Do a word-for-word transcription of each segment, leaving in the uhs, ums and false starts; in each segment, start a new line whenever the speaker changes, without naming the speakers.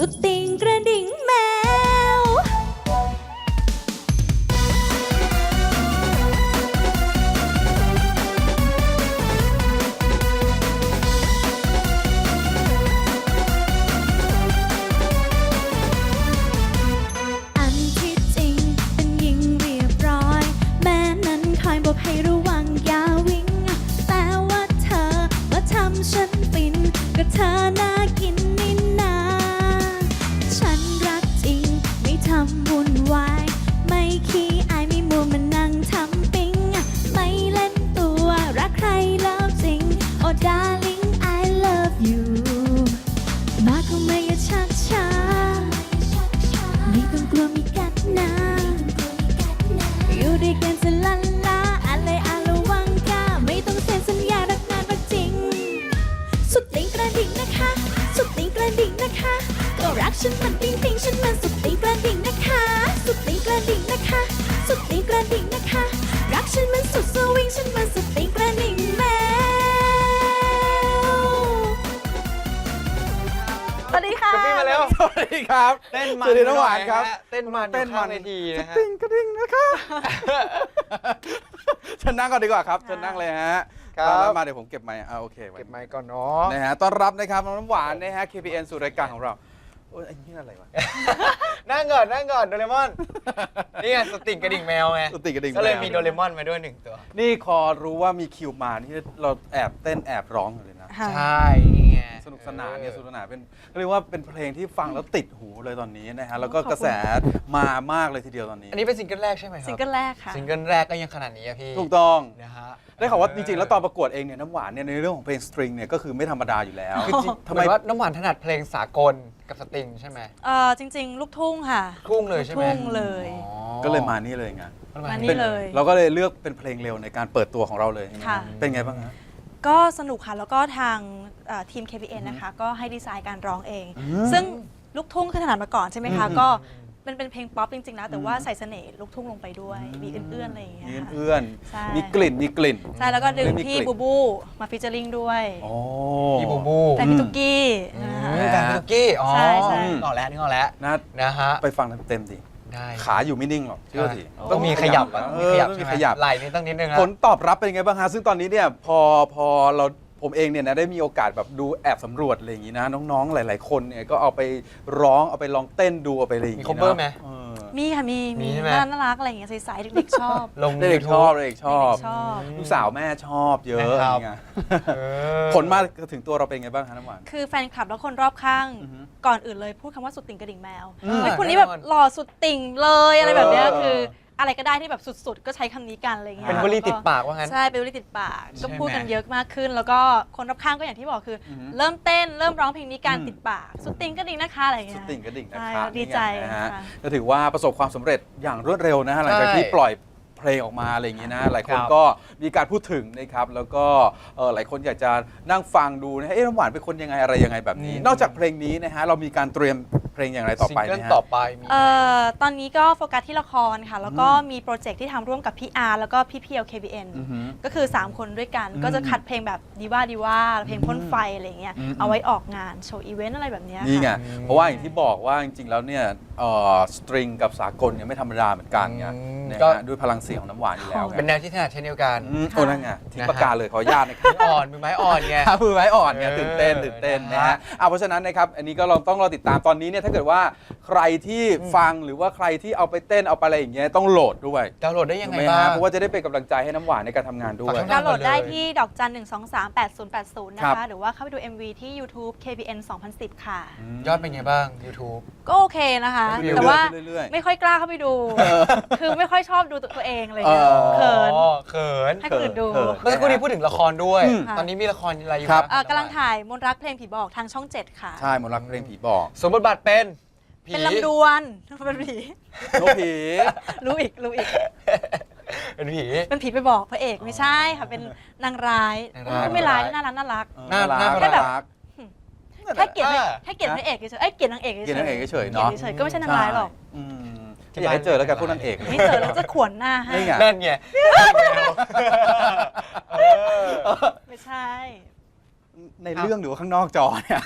ดติ่งกระดิ่งแมวอันที่จริงเป็นหญิงเรียบร้อยแม่นั้นคอยบอกให้ระวังอย่าวิ่งแต่ว่าเธอมาทำฉันฟินก็เธอน่ากินนี่นาฉันรักจริงไม่ทำวุ่นวายไม่ขี้อายไม่มัวมานั่งทำปิ๊งไม่เล่นตัวรักใครแล้วจริง Oh darling I love you มาเข้ามาอย่าชักช้าไม่ต้องกลัวมีกัดนะอยู่ด้วยกันจะลันลาอะไรอาละวังกาไม่ต้องเซ็นสัญญารักนานรักจริงสุดติ่งกระดิ่งนะคะสุดติ่งกระดิ่งนะคะก็รักฉันมันปิ๊งปิ๊งฉันมันสุดติ่งกระดิ่งนะคะสุดติ่งกระดิ่งนะคะสุดติ่งกระดิ่งนะคะรักฉันมันสุดสวิงฉันมันสุดติ่งกระดิ่งแมวสวัสดีค่ะ
กระปิ้งมาแล้ว
สวัสดีครับ
เต้นมัน
สวัสดีน้องหวานครับ
เต้นมัน
เต้นมัน
เวทีนะฮะ
ติ้งกระดิ่งนะคะเชิญนั่งก่อนดีกว่าครับเชิญนั่งเลยฮะ
ครับ
ตอนรับมาเดี๋ยวผมเก็บไมค์อ่าโอเคไว้
เก็บไมค์ก่อนเนาะ
นะฮะต้อนรับนะครับน้องน้ำหวานนะฮะ เค พี เอ็น สู่รายการของเราโอ้ยไอ้นี่อะไรวะ
นั่งก่อนนั่งก่อนโดเรมอน นี่ไงสติ่งกระดิ่งแมวไง
สติกระดิ่ง
ก็เลย
แว
มีโดเรมอนมาด้วยหนึ่งตัว
นี่คอรู้ว่ามีคิวมานี่เราแอบเต้นแอบร้องอยู่เลยนะ
ค่ะ
ใช่นี่ไง
สนุกสนานเนี่ยสนุกสนานเป็นเรียกว่าเป็นเพลงที่ฟังแล้วติดหูเลยตอนนี้นะฮะแล้วก็กระแสมามากเลยทีเดียวตอนนี้
อันนี้เป็นซิงเกิลแรกใช่ไหมครับ
ซิงเกิลแรกค่ะ
ซิงเกิลแรกก็ยังขนาดนี้อะพี่
ถูกต้อง
นะฮะ
ได้ข่าวว่าจริงๆ แล้วตอนประกวดเองเนี่ยน้ำหวานเนี่ยในเรื่องของเพลงสตริงเนี่ยก็คือไม่ธรรมดาอยู่แล้ว
คือจริง
ทำ
ทำ
ไม
ไมว่าน้ำหวานถนัดเพลงสากลกับสตริงใช่ไหม
เออจริง ๆ ลูกทุ่งค่ะ
ทุ่งเลยใช่ไหม
ลูกทุ่งเลย
อ๋อ
ก็เลยมานี่เลยไง
มานี่เลย
เราก็เลยเลือกเป็นเพลงเร็วในการเปิดตัวของเราเลย
ค่ะ
เป็นไงบ้างฮะ
ก็สนุกค่ะ แล้วก็ทางเอ่อทีม เค พี เอ็น นะคะ ก็ให้ดีไซน์การร้องเอง
อืม
ซึ่งลูกทุ่งคือถนัดมาก่อนใช่ไหมคะ
อืม
ก็เป็นเป็นเพลงป๊อปจริง ๆ นะ แต่ว่า
อืม
ใส่เสน่ห์ลูกทุ่งลงไปด้วย มีเอื้อนๆอะไรอย่างเงี้ย
มี
ค่ะ
เอื้อน
ใช่
มีกลิ่นมีกลิ่น
ใช่ แล้วก็ดึง
มี
พี่
กลิ่น
บูบูมาฟิชเจอริงด้วย
โอ้
พี่บูบู
แต่พี่ตุกกี้
อื
นะคะ
มแต่พี่ตุ๊กกี้อ๋อ
ใช่ใช่
นึกออกแล้วนึกออกแล้ว
นะ
นะฮะ
ไปฟังเต็มๆดิ
ได้
ขาอยู่ไม่นิ่งหรอกเชื่อที
ต้องมีขยับอะ
เอ
มี
อ
ขยับ
ต้อง
ใช่
มี
ไหม
ขยับ
ไหล่นี่ต้องนิดนึงนะ
ผลตอบรับเป็นไงบ้างฮะซึ่งตอนนี้เนี่ยพอพอเราผมเองเนี่ยนะได้มีโอกาสแบบดูแอบสำรวจอะไรอย่างนี้นะ น้องๆหลาย ๆ คนเนี่ยก็เอาไปร้องเอาไปลองเต้นดูเอาไปอะไรอย่าง
มี
นี้
cover
นะ
ไหม
เออ
มีค่ะ มี
มี
มี
ใช่ไหม
น่าน่ารักอะไรอย่างเงี้ยใสๆเด็กๆชอบ
ลง
เด็กๆชอบเด็กๆชอบ
เด็กๆชอบ
ลูกสาวแม่ชอบเยอะ
นะครับ
นี่ไง
เออ
ผลมาถึงตัวเราเป็นไงบ้างคะน้ำหวาน
คือแฟนคลับแล้วคนรอบข้าง
อือฮึ
ก่อนอื่นเลยพูดคำว่าสุดติ่งกระดิ่งแมว
อืม
เฮ้ยคนนี้แบบหล่อสุดติ่งเลยอะไรแบบเนี้ย
เออ
คืออะไรก็ได้ที่แบบสุดๆ ก็ใช้คำนี้กันอะไรเงี้ย
เป็นวลีติดปากว่างั้น
ใช่เป็นวลีติดปาก
ใช่
ก็พูดกัน
ไหม
เยอะมากขึ้น แล้วก็คนรอบข้างก็อย่างที่บอกคืออ
อฮึ
เริ่มเต้นเริ่มร้องเพลงนี้การ
อืม
ติดปากสุดติ่งกระดิ่งนะคะอะไรเงี้
สุด
ย
ติ่งกระดิ่งนะ
ใช่
คะ
ดีใจ
นี่ไงนะฮะ
ค่ะ
ก็ถือว่าประสบความสำเร็จอย่างรวดเร็วนะฮะหลังจาก
ใช่
ที่ปล่อยเพลงออกมาอะไรอย่างนี้นะหลายคน
ครับ
ก็มีการพูดถึงนะครับแล้วก็เอ่อหลายคนอยากจะนั่งฟังดูนะฮะเอ๊ะน้ำหวานเป็นคนยังไงอะไรยังไงแบบนี้
อืม
นอกจากเพลงนี้นะฮะเรามีการเตรียมเพลงอย่างไรต่อไป
ซิงเกิล
นะฮะ
ต่อไปมี
เอ่อตอนนี้ก็โฟกัสที่ละครค่ะ แล้วก็มีโปรเจกต์ที่ทำร่วมกับพี่อาร์แล้วก็พี่เพียว เค บี เอ็น
อือฮึ
ก็คือ สาม คนด้วยกัน
อืม
ก็จะคัดเพลงแบบดีว่าดีว่าเพลงพ่นไฟอะไรเงี้ย
อืม
เอาไว้ออกงานโชว์อีเวนต์อะไรแบบเนี้ย
นี่ไง
ค่ะ
อืม
เพราะว่าอย่างที่บอกว่าจริงๆแล้วเนี่ยเอ่อสตริงกับสากลเนี่ยไม่ธรรมดาเหมือนกันไง
อืม
นะ
ก็
ฮะด้วยพลังเสียงของน้ำหวานอยู่แล้วไง
เป็นแนวที่ถนัดเช่นเดียวกัน
อืมโอ้นั่นไงทิ้งปากกาเลยขออนุญาตนะครับ
มืออ่อนมือไม้อ่อนไง
มือไม้อ่อนไง
เออ
ตื่นเต้นตื่นเต้นนะ
นะ
ฮะ
ฮะ
อ่ะเพราะฉะนั้นนะครับอันนี้ก็เราต้องรอติดตามตอนนี้เนี่ยถ้าเกิดว่าใครที่ฟังหรือว่าใครที่เอาไปเต้นเอาไปอะไรอย่างเงี้ยต้องโหลดด้วย
ดาวน์โหลดได้ยังไง
ถูกหม
บ้า
ฮะ
ง
เพราะว่าจะได้เป็นกำลังใจให้น้ำหวานในการทำงานด้วย
ฝากช่อง
ดาวน์โหลดได้
เลย
ที่ดอกจันหนึ่งสองสามแปดศูนย์แปดศูนย์นะ
ครั
คะ
บ
หรือว่าเข้าไปดู เอ็ม วี ที่ YouTube เค พี เอ็น สองพันสิบ ค่ะ
ยอดเป็นไงบ้าง YouTube
ก็โอเคนะคะ
เรื่อยๆ
แต่ว่า
เรื่อยๆ
ไม่ค่อยกล้าเข้าไปดู คือไม่ค่อยชอบดูตัวเองอะไรเลย
เออ
เขิน
อ๋อเขิน
ให้คนอื่นดู
เขิน
เมื่อสักครู่นี้พูดถึงละครด้วย
อืม
ตอนนี้มีละครอะไรอยู่
ครับ
เอ่อกำลังถ่ายมนต์รักเพลงผีบอกทางช่องเจ็ดค่ะ
ใช่มนต์รักเพลงผีบอก
สมบทบาทเป็นผี
เป็นลำดวนเป็นผี
โนผี
รู้อีกรู้อีก
เป็นผี
เป็นผีไปบอกพระเอกไม่ใช่ค่ะ เป็นนางร้าย
นางร้าย
ก็ไม่ร้ายน่ารักน่ารัก
น่า
รัก
น่า
แค่แบบ
รัก
แค่เกลียดพระ
อ่า
แค่เกลียดพระเอกเฉยๆเอ้ยเกลียดนางเอกเฉยๆ
เกลียดนางเอกเฉยๆ
เกลียด
เนาะ
เฉยๆก็ไม่ใช่นางร้ายหรอก
อืมที่อยากให้เจอแล้วกันพวกนางเอก
ไม่เจอแล้วจะขวนหน้าให้
นี่ไง
นั่นไงเออ
ไม่ใช่
ในเรื่องหรือว่าข้างนอกจอเนี่ย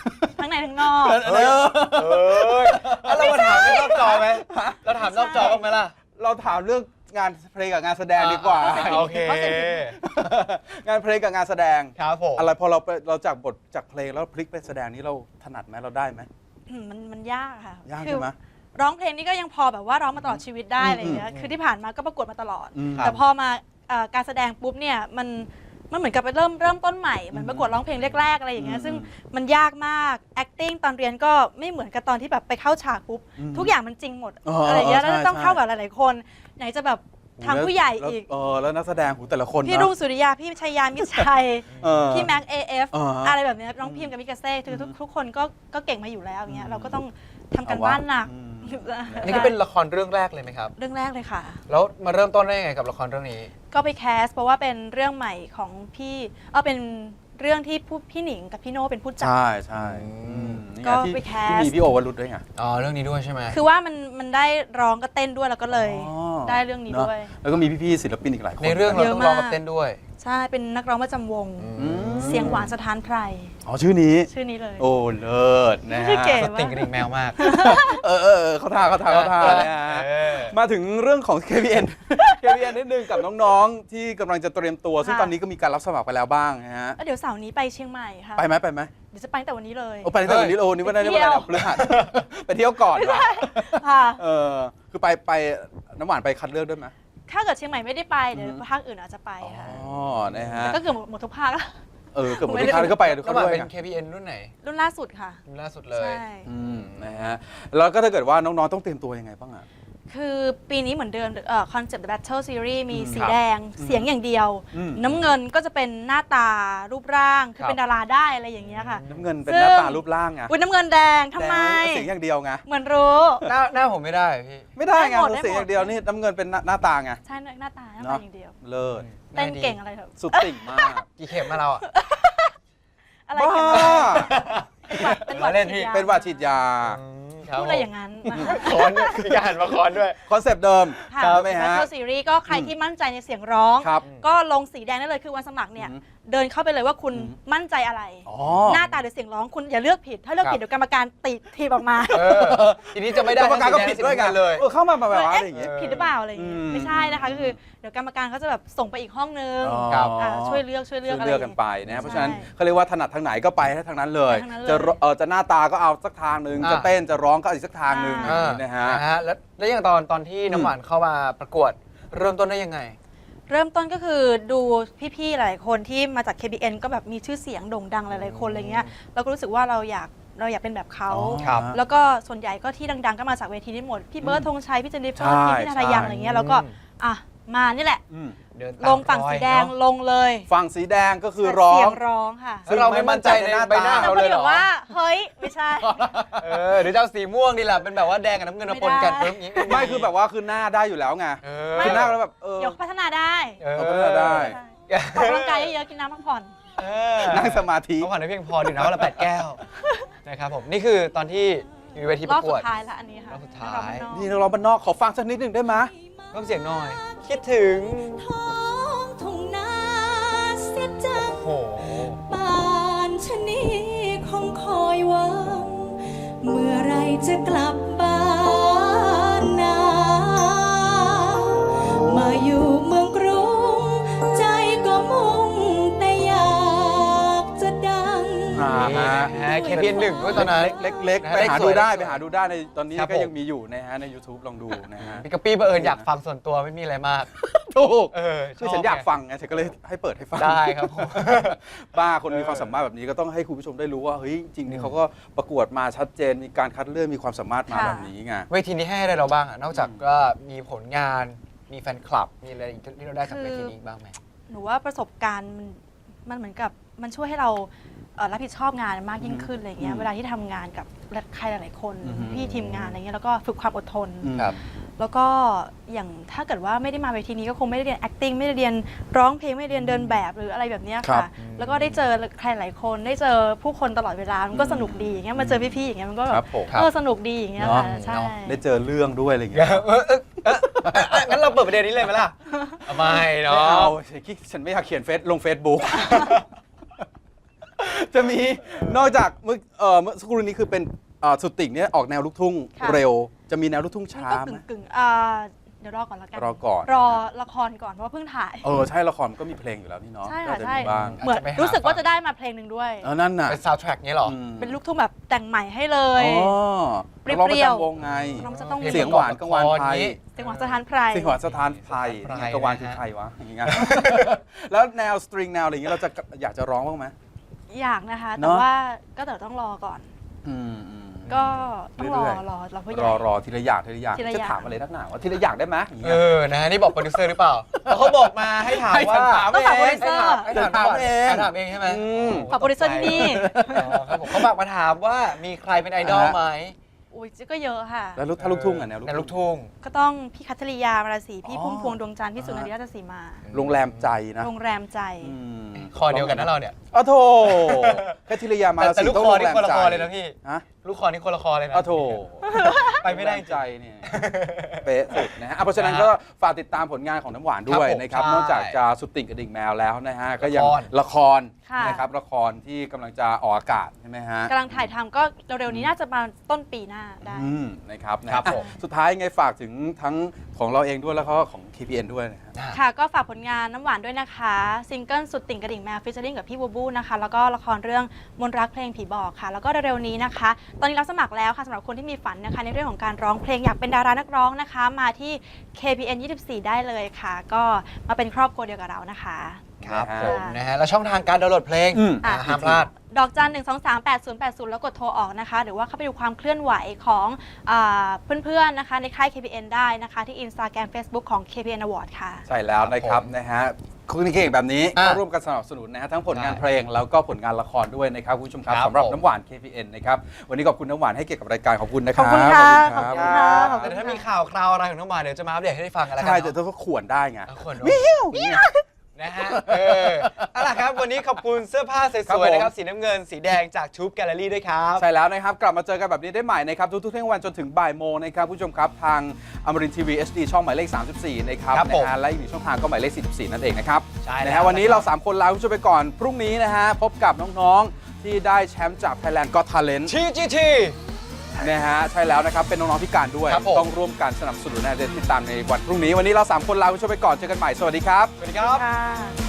ทั้งในทั้งนอก
เฮ้ยเอ้ยแล้วเรามาถามเรื่องนอกจอไหมเราถามนอกจอบ้างไหมล่ะ
เราถามเรื่องงานเพลงกับงานแสดงดีกว่า
อ่าโอเค
งานเพลงกับงานแสดง
ครับผม
อะไรพอเราไปเราจากบทจากเพลงแล้วพลิกไปแสดงนี้เราถนัดไหมเราได้ไหม
อืมมันมันยากค่ะ
ยาก
คื
ใช่ไหม
ร้องเพลงนี่ก็ยังพอแบบว่าร้องมาตลอดชีวิตได้อะไรอย่างเงี้ย
อืม
คือที่ผ่านมาก็ประกวดมาตลอด
อืม
แต่พอมาเอ่อการแสดงปุ๊บเนี่ยมันมันเหมือนกับไปเริ่มเริ่มต้นใหม่เหมือนประกวดร้องเพลงแรกๆอะไรอย่างเงี้ย
อืม
ซึ่งมันยากมาก acting ตอนเรียนก็ไม่เหมือนกับตอนที่แบบไปเข้าฉากปุ๊บ
อืม
ทุกอย่างมันจริงหมด
อ๋ออ
อะไรอย่างเงี้ย
ใช่
แล้วต้อง
ใช่
เข้ากับหลายๆคน ไหนจะแบบทางผู้ใหญ่
แล้ว
อีก
เออแล้วนักแสดงหูแต่ละคน
พี่
นะ
รุ่งสุริยาพี่ชัยยามิตรชัย
เออ
พี่แม็กเอฟ
อ่าฮะ
อะไรแบบเนี้ยน้องพิมพ์กับมิกาเซ่คือทุกทุกคนก็ก็เก่งมาอยู่แล้วอย่างเงี้ยเราก็ต้องทำกัน
เอาวะ
บ้านหนัก
อืม
อันนี้ก็เป็นละครเรื่องแรกเลยไหมครับ
เรื่องแรกเลยค่ะ
แล้วมาเริ่มต้นได้ยังไงกับละครเรื่องนี้
ก็ไปแคสเพราะว่าเป็นเรื่องใหม่ของพี่เออเป็นเรื่องที่ผู้พี่หนิงกับพี่โน่เป็นผู้จัด
ใช่ใช่
อืม
อืมนี่ไง
ก็
ที่
ไปแคส
ที่มีพี่โอวรุษด้วยไง
อ๋อ เรื่องนี้ด้วยใช่ไหม
คือว่ามันมันได้ร้องก็เต้นด้วยแล้วก็เลย
อ๋อ
ได้เรื่องนี้
เนอะ
ด้วย
แล้วก็มีพี่ๆศิลปินอีกหลายคน
ในเรื่องเรา
เยอะ
ต้องร้อง
มาก
กับเต้นด้วย
ใช่เป็นนักร้องประจำวง
อืม
เสียงหวานสถานไพร
อ๋อชื่อนี้
ชื่อนี้เลย
โอ้เลิศนะฮะ
ชื่อเก๋
สติงกระดิ่งแมวมาก
เออเออเออเขาท่าเขาท่าเขาท่านะฮะ
เออ
มาถึงเรื่องของ เค พี เอ็น เค พี เอ็น นิดนึงกับน้องๆ ที่กำลังจะเตรียมตัว ซึ่ง
ค่ะ
ตอนนี้ก็มีการรับสมัครไปแล้วบ้างนะฮะ
แล้วเดี๋ยวเสาร์นี้ไปเชียงใหม่ค่ะ
ไปไหมไปไหม
เดี๋ยวจะไปตั้งแต่วันนี้เลย
โอ้ไปตั้งแต่วันนี้โอ้นี่ว่าได้
ไป
ได้
เที่
วัน
ยว
ไหนพฤหัส ไปเที่ยวก่อนวะ
ค่ะ
เออคือไปไปน้ำหวานไปคัดเลือกด้วยไหม
ถ้าเกิดเชียงใหม่ไม่ได้ไปเดี๋ยว
อือฮึ
ภาคอื่นอาจจะไป
อ๋
ค่ะ
อนะฮะ
แต่ก็เกือบหมดทุกภาคแล้ว
เออเกือบหมด
ไม่
ทุ
ได้
กครั้งก็ไปทุกค
น้ำ
น
หวาน
ด้วย
เป็น
ไง
เค พี เอ็น รุ่นไหน
รุ่นล่าสุดค่ะ
รุ่นล่าสุดเลย
ใช่
อืมนะฮะแล้วก็ถ้าเกิดว่าน้องๆต้องเตรียมตัวยังไงบ้างอ่ะ
คือปีนี้เหมือนเดิมคอนเซ็ปต์ The Battle Series มี
อืม
สี
ครับ
แดงเสียงอย่างเดียว
อืม
น้ำเงินก็จะเป็นหน้าตารูปร่าง คือ
ครับ
เป็นดาราได้อะไรอย่างเงี้ยค่ะ
น้ำเงินเป็น
ซึ่
ห
ง
น้าตารูปร่างไง
อุ้ยน้ำเงินแดงทำไม
แต่เสียงอย่างเดียวไง
เหมือนรู้
หน้าหน้าผมไม่ได้พี่
ไม่ได้ไง
ได้หมด
เสียง
ได้หมด
อย่างเดียวนี่น้ำเงินเป็นหน้าหน้าตาไง
ใช่หน้าตาหน้า
เน
ตา
อะ
อย่างเดียว
เลิศ
เต้นเก่งอะไรเถอะ
สุดติ่งมาก
กี่เข็มมาเราอ่ะ
อะไร
บ้า
กันนะเป็นหวัด
เล่น
ฉีดยา
เป็นหวัดฉีดยา
ครับ
พูดอะไรอย่างนั้น
คอนด้วยมีการหันมาคอนด้วย
คอนเซปต์เดิม
ค่ะ
ใช่ไหมฮะ
Battle Series ก็ใครที่มั่นใจในเสียงร้อง
ครับ
ก็ลงสีแดงได้เลยคือวันสมัครเนี่ย
อืม
เดินเข้าไปเลยว่าคุณ
อืม
มั่นใจอะไร
อ๋อ
หน้าตาหรือเสียงร้องคุณอย่าเลือกผิด ถ้าเลือกผิด
ครับ
เดี๋ยวกรรมการติทีบออกมา
เออ ทีนี้จะไม่ได้
กรรมการก็ผิดด้วยกัน
เลย
เออเข้ามาแบบว่า
เอ๊ะ
อะไรอย่างเงี้ย
ผิดหรือเปล่าอะไรอย่างเงี้ย
อืม
ไม่ใช่นะคะก็คือเดี๋ยวกรรมการเขาจะแบบส่งไปอีกห้องนึง
อ๋อ
ครับ
อ่าช่วยเลือกช่วยเลื
ช่
อ
ว
ก
ย
อะไร
เลือกกันไปนะ เพราะฉะนั้น
ใช่
เขาเรียกว่าถนัดทางไหนก็ไปให้ทางนั้นเลย
ไปทางนั้นเลย
จะเออจะหน้าตาก็เอาสักทางหนึ่ง
อ่า
จะเต้นจะร้องก็เอาอีกสักทางหนึ่ง
อ่า
นะฮะ
นะฮะแล้วแล้วอย่างตอนตอนที่น้ำหวานเข้ามาประกวดเริ่มต้นได้ยังไง
เริ่มต้นก็คือดูพี่ๆหลายคนที่มาจาก เค บี เอ็น ก็แบบมีชื่อเสียงโด่งดังหลายๆคนอะไรเงี้ยเราก็รู้สึกว่าเราอยากเราอยากเป็นแบบเขา
อ๋อ
ครับ
แล้วก็ส่วนใหญ่ก็ที่ดังๆ ก็มาจากเวทีนี้หมด พี่เบิร์ดธงชัย พี่เจนนิเฟอร์
ใช่
พี่นาทายัง
ใช่
อะไรเงี้ยแล้วก็อ่ะมานี่แหละ
อืม
เดิน
ลงฝั่งสีแดง
เนอะ
ลงเลย
ฝั่งสีแดงก็คือร้อ
เสี
ง
ยงร้องค่ะ
แล้วเราไม่มั่นใจในใบหน้า
แล้ว
เรา
ก็
เลยเห
เดี๋
ร
ยว
อ
ว่า เฮ้ย ไม่ใช่
เออหรือจะเอาสีม่วงดีล่ะเป็นแบบว่าแดงกับน้ำเงินมาปนกัน
ไม่ได้
ปุ๊บอย่างงี้
ไม่คือแบบว่าคือหน้าได้อยู่แล้วไง
เออ
คือหน้าแล้วแบบเออ
เดี๋ยวพัฒนาได้
เออ
เอาก็ได้
ใช่ออกกำลังกายเยอะๆกินน้ำพักผ่อน
เออ
นั่งสมาธิ
เขาผ่านได้เพียงพอดื่มน้ำวันละแปดแก้วนะครับผมนี่คือตอนที่อยู่เวที
ร
ป
อบ
ระก
สุ
วด
ดท้ายแล้วอันนี้ค่ะ
รอบสุดท้าย
รอบนอก
นี่นักร้องบ้านนอกขอฟังสักนิดหนึ่งได้ไหม
เพิ่มเสียงหน่อย คิดถึง
ท้องทุ่งนาเสียจัง
โอ้โห
ป่านชะนีคงคอยหวัง เมื่อไรจะกลับบ้านนามาอยู่เมืองกรุง ใจก็มุ่งแต่อยากจะดัง
อ่า
นี่
ฮะ
นะฮะ เค พี เอ็น หนึ่งด้วยตอนนั้น
เล็กๆ
นะ
ไปหา
เลขสวย
ดูได้
เลขสวย
ไปหาดูได้ในตอนนี้
ครับ
ก็
ผม
ยังมีอยู่นะฮะใน YouTube ลองดูนะฮะ
พี่กะปี้บังเอิญอยากฟังส่วนตัวไม่มีอะไรมาก
ถูก
เออ
คือฉันอยากฟังไงฉันก็เลยให้เปิดให้ฟัง
ได้ครับผม
บ้าคนมี
เออ
ความสามารถแบบนี้ก็ต้องให้คุณผู้ชมได้รู้ว่าเฮ้ยจริงๆ
อื
นี่
ม
เขาก็ประกวดมาชัดเจนมีการคัดเลือกมีความสามารถมา
ค่ะ
แบบนี้ไง
เวทีนี้ให้อะไรเราบ้างอะนอกจากก็มีผลงานมีแฟนคลับ มีอะไรอีกที่เราได้จากเวทีนี้บ้างไหม
หนูว่าประสบการณ์มันมันเหมือนกับมันช่วยให้เราเอ่อรับผิดชอบงานมากยิ่งขึ้นอะไรเงี้
อื
ย
ม
เวลาที่ทำงานกับใครหลาย ๆ คน
อือฮึ
พี่ทีมงานอะไรเงี้ยแล้วก็ฝึกความอดทน
อืม
ครับ
แล้วก็อย่างถ้าเกิดว่าไม่ได้มาเวทีนี้ก็คงไม่ได้เรียน acting ไม่ได้เรียนร้องเพลงไม่ได้เรียนเดินแบบหรืออะไรแบบเนี้ย
ครั
ค่ะ
บ
แล้วก็ได้เจอใครหลายคนได้เจอผู้คนตลอดเวลามันก็สนุกดีอย่างเงี้ยมาเจอพี่ๆอย่างเงี้ยมันก็แบ
ครับ บผม
เออสนุกดีอย่างเงี้ยค่ะ
เนาะ
ใช่
ได้เจอเรื่องด้วยอะไรอย่างเงี้ย
เออเออเออเอองั้นเราเปิดประเด็นนี้เลยไหมล่ะไม่เนา
ไม่เอา
ะ
ฉันไม่อยากเขียนเฟซลงเฟซบุ๊กจะมีนอกจากเมื่อเอ่อเมื่อสักครู่นี้คือเป็นเอ่อสุดติ่งเนี่ยออกแนวลูกทุ่ง
ค่ะ
เร็ว จะมีแนวลูกทุ่ง
มัน
ช้า
ก็
ไหม
กึ่งๆอ่าเดี๋ยวรอก่อนแล้วกัน
รอก่อน
รอละครก่อนเพราะว่าเพิ่งถ่าย
เออใช่ละครมันก็มีเพลงอยู่แล้วนี่เนาะ
ใช่
ก็
ค่ะ
จะ
ใช่
มีบ้าง
เหมือน
อาจจะไปหา
รู้สึกว่าจะได้มาเพลงหนึ่งด้วย
เออนั่นน่ะ
เป็นซาวด์แทร็กนี้เหรอ
อืม
เป็นลูกทุ่งแบบแต่งใหม่ให้เลย
อ๋อ
เปรี้
นักร้องประ
ยวๆ
จำวงไง
น้องจะต้อง
เพล
เสียงหวานกังวานไทย
เสียงหวานสถานไพร
เสียงหวานสถานไทย
สถานไพร
กังวานคือใครวะอย่างเงี้ย แล้วแนวสตริงแนวอะไรอย่างเงี้ยเราจะอยากจะร้องบ้างไหม
อยากนะคะ
เน
แต่
อะ
ว่าก็เดี๋ยวต้องรอก่อน
อืมอืม
ก็ต้องรอ
เรื่อยๆ
รอรอผู้ให
ร
ญ่
อรอทีละอย่างทีละอย่าง
ทีละอย่าง
จะถามอะไรนักหนาวะทีละอย่างได้ไหมอย่าง
เอ
เงี้ย
อ นะฮะนี่บอกโปรดิวเซอร์หรือเปล่าแล้วเขาบอกมาให้ถาม
ให้ฉั
ว่าน
ถาม
ต้องฝากโปรดิวเซอร์
ให้ถามให้ถาม
ถามเอง
ให้ถามเองใช่ไหม
อืม
ฝากโปรดิวเซอร์ที่นี่
อ๋อครับผมเขาฝากมาถามว่ามีใครเป็นไอดอลไหม
อุ้ยก็เยอะค่ะ
แล้วลูกถ้าลูกทุ่งอ่ะแนว
ในลูกทุ่ง
ก็ต้องพี่คัทธริยามาราศีพี่
อ๋อ
พุ่มพวงดวงจันทร์พี่สุนารีราชสีมา
โรงแรมใจนะ
โรงแรมใจ
อืม
คอเดียวกันนะเราเนี่ย
อ้าวโถแค่ทีละยามา
แต่
รา
แต่
ศี
ลูก
ต้อง
คอ
โรง
นี่
แรม
คนละ
ใจ
คอเลยนะพี่
ฮะ
ลูกคอนี่คนละคอเลยนะ
อ้าวโถ
ไปไม่ได้
โรงแรใจเนี่ยเป๊ะสุดนะฮะอ่ะเพราะฉะนั้นก็ฝากติดตามผลงานของน้ำหวานด้วย
ครับผม
นะครับ
ใช่
นอกจากจะสุดติ่งกระดิ่งแมวแล้วนะฮะก็ยัง
ละคร
ละคร
ค่ะ
นะครับละครที่กำลังจะออกอากาศใช่ไหมฮะ
กำลังถ่ายทำก็เร็วๆนี้น่าจะมาต้นปีหน้าได้
อืมนะครับนะครับ อ่ะ
ผม
สุดท้ายไงฝากถึงทั้งของเราเองด้วยแล้วก็ของ เค พี เอ็น ด้วยนะฮะ
ค่ะก็ฝากผลงานน้ำหวานด้วยนะคะซิงเกิลสุดติ่งกระดิ่งแมวฟิชเชอริงกับพี่บูบูนะคะแล้วก็ละครเรื่องมนต์รักเพลงผีบอกค่ะ แล้วก็เร็วๆนี้นะคะ ตอนนี้รับสมัครแล้วค่ะสำหรับคนที่มีฝันนะคะในเรื่องของการร้องเพลงอยากเป็นดารานักร้องนะคะ มาที่ เค พี เอ็น ยี่สิบสี่ ได้เลยค่ะ ก็มาเป็นครอบครัวเดียวกับเรานะคะ
ครับ
นะฮะ
ผมนะฮะแล้วช่องทางการดาวน์โหลดเพลง
อืม
อ่าห้ามพลาด
ดอกจันหนึ่งสองสามแปดศูนย์แปดศูนย์แล้วกดโทรออกนะคะ หรือว่าเข้าไปดูความเคลื่อนไหวของอาเพื่อนๆนะคะในค่าย เค พี เอ็น ได้นะคะ ที่ Instagram Facebook ของ เค พี เอ็น Award ค่ะ
ใช่แล้วนะครับ
ผม
นะฮะคุณเก่งแบบนี้
อ่ะ
ก็ร่วมกันสนับสนุนนะฮะทั้งผลงาน
ใช่
เพลงแล้วก็ผลงานละครด้วยนะครับคุณผู้ชมครับ
ครับ
สำหรับ
ผม
น้ำหวาน เค พี เอ็น นะครับวันนี้ขอบคุณน้ำหวานให้เกียรติกับรายการขอบคุณนะค
ข
รั
อ
บบ
คุณค่ะ
ขอบ
ขอบ
คุณ
คุณ
ค
ค่ะ
รับ
แต่ถ้ามีข่าวคราวอะไรของน้องหวานเดี๋ยวจะมาอัปเดตให้ได้ฟังกันแล้วกั
ใช่
น
แต่
เนาะ
ถ้าขวนได้ไง
เอาขวดด้วยนะฮะเออเอาล่ะครับวันนี้ขอบคุณเสื้อผ้าส
ครับ
วย
ผม
ๆนะครับสีน้ำเงินสีแดงจากชูบแกลเลอรี่ด้วยครับ
ใช่แล้วนะครับ กลับมาเจอกันแบบนี้ได้ใหม่นะครับ ทุกๆเที่ยงวันจนถึงบ่ายโมงนะครับผู้ชมครับทางอมรินทีวี เอช ดี ช่องหมายเลข สามสิบสี่ นะครับ
ครับผม
นะฮะและอีกหนึ่งช่องทางก็หมายเลข สี่สิบสี่ นั่นเองนะครับ
ใช่แล้ว
นะฮะวันนี้
นะครับ
เรา สาม คนลาคุณผู้ชมไปก่อน พรุ่งนี้นะฮะพบกับน้องๆที่ได้แชมป์จาก Thailand Got Talent
ที จี ที
นะฮะใช่แล้วนะครับเป็นน้องๆพิการด้วย
ครับผม
ต้องร่วมกันสนับสนุนนะเดี๋ยวติดตามในวันพรุ่งนี้วันนี้เราสามคนลาคุณผู้ชมไปก่อนเจอกันใหม่สวัสดีครับ
สวัสดีครับ
ค่ะ